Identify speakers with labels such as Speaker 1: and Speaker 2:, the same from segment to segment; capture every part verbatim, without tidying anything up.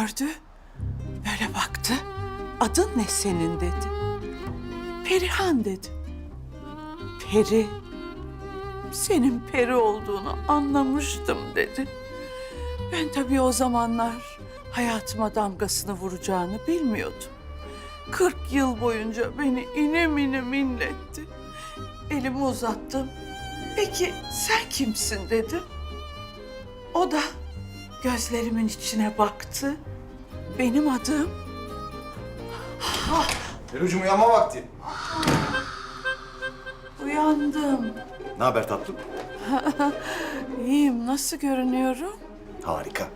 Speaker 1: gördü. Böyle baktı. Adın ne senin dedi. Perihan dedi. Peri. Senin peri olduğunu anlamıştım dedi. Ben tabii o zamanlar hayatıma damgasını vuracağını bilmiyordum. Kırk yıl boyunca beni inim inim inletti. Elimi uzattım. Peki sen kimsin dedim. O da gözlerimin içine baktı. Benim adım...
Speaker 2: Perucuğum uyanma vakti.
Speaker 1: Uyandım.
Speaker 2: Ne haber tatlım?
Speaker 1: İyiyim. Nasıl görünüyorum?
Speaker 2: Harika.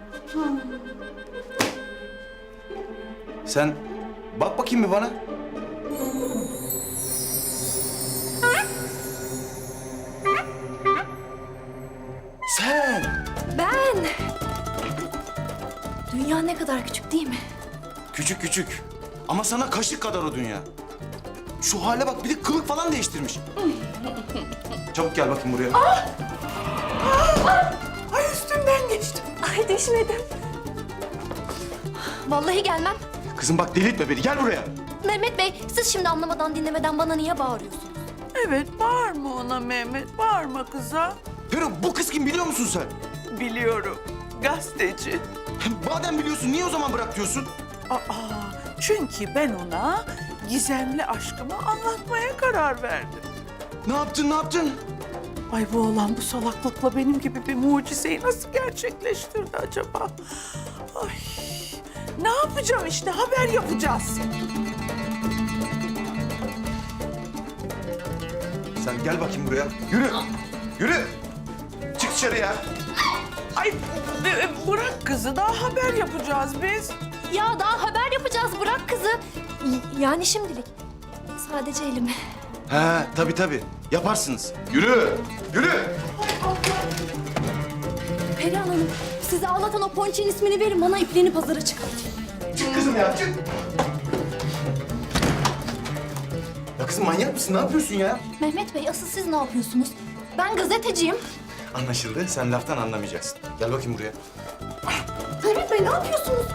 Speaker 2: Sen bak bakayım bir bana. Sen
Speaker 3: Ben! Dünya ne kadar küçük değil mi?
Speaker 2: küçük küçük ama sana kaşık kadar o dünya. Şu hale bak, bir de kılık falan değiştirmiş. Çabuk gel bakayım buraya.
Speaker 1: Ay üstümden geçti.
Speaker 3: Ay düşmedim. Vallahi gelmem.
Speaker 2: Kızım bak, delirtme beni, gel buraya.
Speaker 3: Mehmet Bey, siz şimdi anlamadan dinlemeden bana niye bağırıyorsunuz?
Speaker 1: Evet, bağırma ona Mehmet. Bağırma kıza.
Speaker 2: Peru, bu kız kim biliyor musun sen?
Speaker 1: Biliyorum. Gazeteci.
Speaker 2: Madem biliyorsun, niye o zaman bırak diyorsun?
Speaker 1: Aa, çünkü ben ona gizemli aşkımı anlatmaya karar verdim.
Speaker 2: Ne yaptın, ne yaptın?
Speaker 1: Ay bu oğlan bu salaklıkla benim gibi bir mucizeyi nasıl gerçekleştirdi acaba? Ay, ne yapacağım işte, haber yapacağız.
Speaker 2: Sen gel bakayım buraya. Yürü, yürü. Çık dışarı ya.
Speaker 1: Ay b- bırak kızı, daha haber yapacağız biz.
Speaker 3: Ya daha haber yapacağız, bırak kızı. Y- Yani şimdilik. Sadece elimi.
Speaker 2: He, tabii tabii. Yaparsınız. Yürü, yürü.
Speaker 3: Perihan Hanım, sizi ağlatan o ponçin ismini verin, bana ipliğini pazara çıkartın.
Speaker 2: Çık kızım ya, çık. Ya kızım manyak mısın? Ne yapıyorsun ya?
Speaker 3: Mehmet Bey, asıl siz ne yapıyorsunuz? Ben gazeteciyim.
Speaker 2: Anlaşıldı. Sen laftan anlamayacaksın. Gel bakayım buraya.
Speaker 3: Mehmet Bey, ne yapıyorsunuz?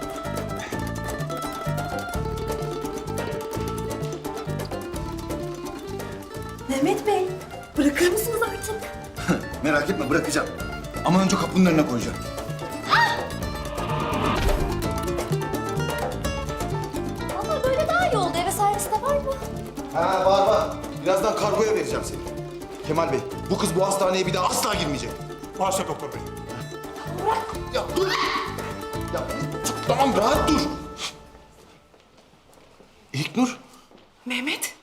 Speaker 3: Mehmet Bey, bırakır mısınız artık?
Speaker 2: Merak etme, bırakacağım. Ama önce kapının önüne koyacağım.
Speaker 3: Ama böyle daha iyi oldu. Eve servis de var mı?
Speaker 2: Ha, var var. Birazdan kargoya vereceğim seni. Kemal Bey, bu kız bu hastaneye bir daha asla girmeyecek.
Speaker 4: Başla doktor bey.
Speaker 2: Ya dur! Ya tamam, rahat dur. İlknur,
Speaker 5: Mehmet.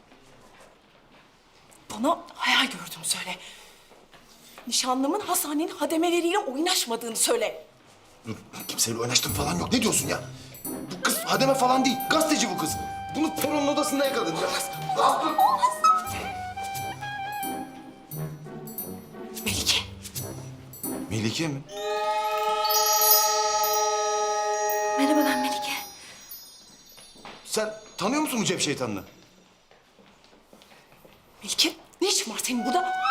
Speaker 5: Bana hayal gördüğümü söyle. Nişanlımın hastanenin hademeleriyle oynaşmadığını söyle.
Speaker 2: dur. Kimseyle oynaştığım falan yok. Ne diyorsun ya? Bu kız hademe falan değil. Gazeteci bu kız. Bunu Peron'un odasında yakaladım ya. Rahat dur.
Speaker 5: Melike.
Speaker 2: Melike mi?
Speaker 3: Merhaba, ben Melike.
Speaker 2: Sen tanıyor musun bu cep şeytanını?
Speaker 5: Melike, ne işin var senin burada?